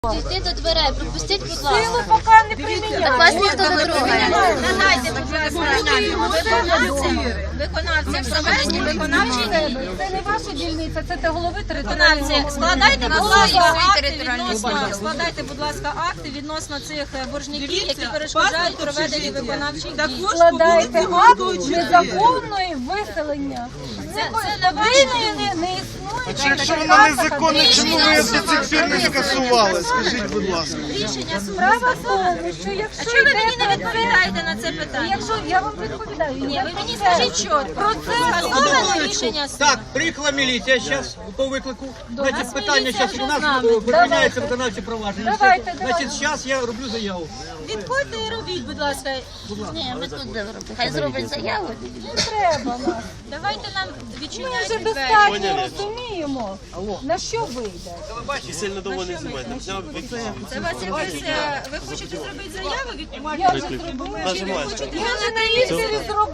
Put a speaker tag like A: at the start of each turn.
A: Дійти до дверей, пропустіть, будь
B: Силу
A: ласка.
B: поки не приміняють.
A: Так вас ніхто не трогає.
C: Надайте, будь ласка, виконавцям провести виконавчі дії.
B: Це не ваша дільниця, це голови територіального.
C: Виконавці, складайте, будь ласка, акти відносно цих боржників, які перешкоджають проведенню виконавчих дій.
B: Складайте акт незаконної виселення. Це не існує.
D: Якщо вона незаконна, чому ви до цих пір не скасували? Скажіть, будь ласка.
C: Рішення суду.
B: Справа в тому, що
C: А
B: якщо
C: чому ви мені
B: йде
C: не відповідаєте на це питання?
B: якщо я вам відповідаю,
C: Ні, ви мені скажіть чітко. Скасоване рішення суду.
E: Так, приїхала міліція зараз по виклику. Значить,
C: нас
E: питання
C: міліція
E: зараз
C: вже
E: у нас
C: з нами.
E: припиняється виконавче провадження.
B: Давайте.
E: Значить, зараз я роблю заяву.
C: Відходьте і робіть, будь ласка.
A: Ні, ми тут зробимо. Хай зроблять заяву.
B: не треба нас.
C: Давайте нам
B: Ми вже
C: відчиняйте двері.
B: достатньо розуміємо, на що вийде.
F: Сильно довго не знімайте.
C: Це вас якось, ви хочете зробити заяву від
B: Я вже зробила.
F: Нажимайте.
B: Я вже на місці зробила.